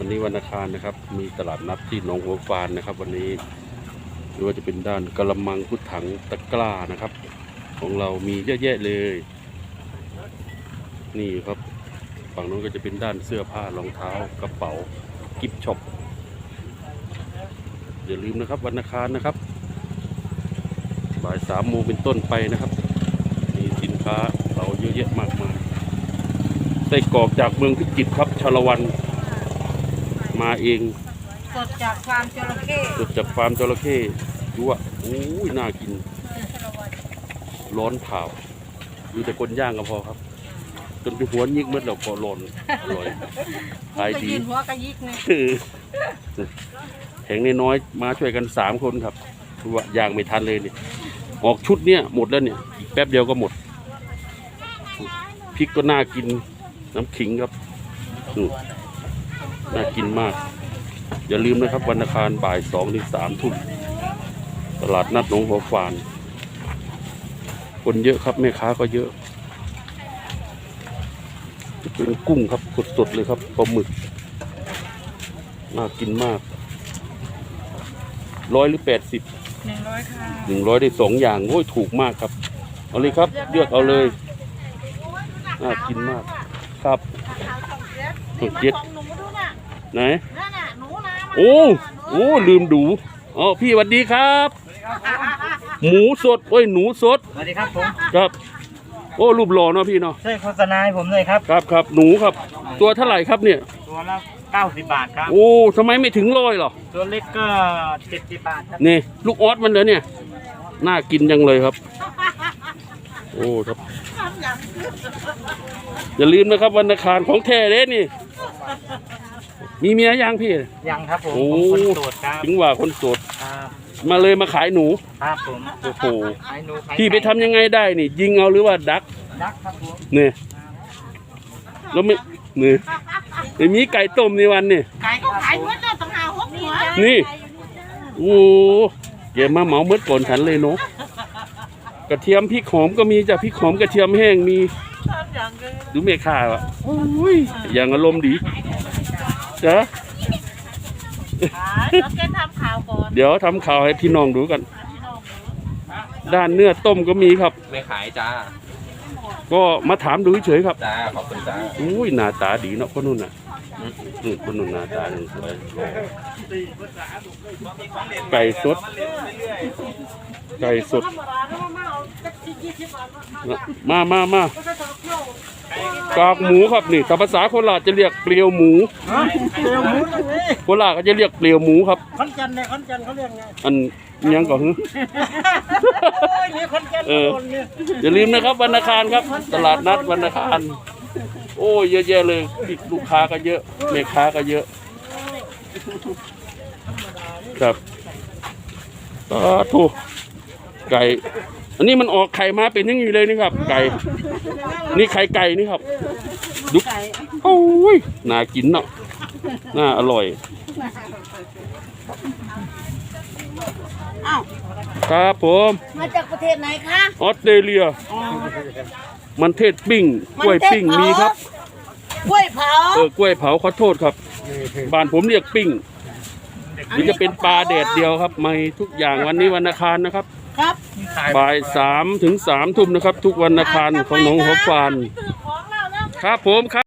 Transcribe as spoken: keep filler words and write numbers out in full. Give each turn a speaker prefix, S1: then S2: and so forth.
S1: วันนี้วันอังคารนะครับมีตลาดนัดที่หนองหัวฟานนะครับวันนี้หรือว่าจะเป็นด้านกระมังพุทถังตะกร้านะครับของเรามีเยอะแยะเลยนี่ครับฝั่งนู้นก็จะเป็นด้านเสื้อผ้ารองเท้ากระเป๋ากิฟต์ช็อปอย่าลืมนะครับวันอังคารนะครับบ่ายสามโมงเป็นต้นไปนะครับมีสินค้าเราเยอะแยะมากมายไส้กรอกจากเมืองพิจิตรครับชาละวันมาเอง
S2: สดจากฟาร์มจระเข้
S1: สดจากฟาร์มจระเข้ดูว่าโอ้ยน่ากินร้อนเผาดูแต่คนย่างก็พอครับจนไปหัวยิกเมื่อเราพอร้อนอร่อยขายดี
S2: หัวกระยิกเนี่ย
S1: แข็งน้อยๆมาช่วยกันสามคนครับดูว่าย่างไม่ทันเลยเนี่ยออกชุดเนี่ยหมดแล้วเนี่ยอีกแป๊บเดียวก็หมดพริกก็น่ากินน้ำขิงครับน่ากินมากอย่าลืมนะครับวันอังคารบ่ายสองถึงสามทุ่มตลาดนัดหนองหัวฟานคนเยอะครับแม่ค้าก็เยอะเป็นกุ้งครับสดๆเลยครับปลาหมึกน่ากินมากร้อยหรือแปดสิบ
S2: หนึ่งร้อยค่ะ
S1: หนึ่งร้อยได้สองอย่างโอ้ยถูกมากครับเอาเลยครับเลือกเอาเลยน่ากินมากครับสุดเจ็ดไหนโอ้โอ้ลืมดูอ๋อพี่สวัสดีครับหมูสดโอ้ยหนูสด
S3: สวัสดีครับผม
S1: ครับโอ้รูปหล่อเนาะพี่เนาะ
S3: ใช่โฆษณาให้ผมเลยครับ
S1: ครับครับหนูครับตัวเท่าไหร่ครับเนี่ย
S3: ตัวละเก้าสิบบาทครับ
S1: โอ้ทำไมไม่ถึงร้อยหรอ
S3: ตัวเล็กก็เจ็ดสิบบาทครับ
S1: นี่ลูกออสมันเลยเนี่ยน่ากินจังเลยครับโอ้ครับอย่าลืมนะครับวันอังคารของแท้เด้นี่มีเมียยังพี่
S3: ยังครับผม
S1: โอ้
S3: คนโสดครับ
S1: ถึงว่าคนโสดมาเลยมาขายหนู
S3: ครับผม
S1: โอ้โห
S3: ขายหนู
S1: พี่ไปทำยังไงได้นี่ยิงเอาหรือว่าดัก
S3: ดักครับผม
S1: เนี่ยแล้วไม่เนี่ยไม่มีไก่ต้มในวันนี่
S2: ไก่ก็ขายเมื่อต้องหาหกหัว
S1: นี่โอ้เดี๋ยวมาเหมาเมื่อก่อนฉันเลยเนาะกระเทียมพริกหอมก็มีจ้ะพริกหอมกระเทียมแห้งมีดูเมฆาอ่ะโอ้ยอย่างอารมณ์ดีจ้ะเดี๋ยวทำข่าวให้พี่น้องดูกันด้านเนื้อต้มก็มีครับ
S4: ไม่ขายจ้า
S1: ก็มาถามดูเฉยครับ
S4: จ้าขอบคุณจ้า
S1: อุ้ยหน้าตาดีเนาะคนนู้นน่ะอืมคนนู้นหน้าตาดีสวยไก่สดไก่สดมามามากากหมูครับนี่ภาษาโคราชจะเรียกเปลียวหมูโคราชก็จะเรียกเปลียวหมูครับ
S3: ขอนแก่นเนี่ยขอนแก่นเขาเรียกไง
S1: อันยังก่อนฮึเอออย่าลืมนะครับวันอังคารครับตลาดนัดวันอังคารโอ้เยอะแยะเลยลูกค้าก็เยอะแม่ค้าก็เยอะครับอ่าถูกไก่อันนี้มันออกไข่มาเป็นอย่างนี้เลยนี่ครับไก่นี่ไข่ไก่นี่ครับดูโอ้ยน่ากินเนาะน่าอร่อยครับผม
S2: มาจากประเทศไหนคะ
S1: ออสเตรเลียมันเทศปิ้งกล้วยปิ้งมีครับ
S2: กล้วยเผา
S1: เออกล้วยเผาขอโทษครับบ้านผมเรียกปิ้งหรือจะเป็นปลาแดดเดียวครับไม่ทุกอย่างวันนี้วันอังคารนะครับ
S2: ครับ
S1: บ่ายสามถึงสามทุ่มนะครับทุกวันอังคารของหนองหัวฟานครับผมครับ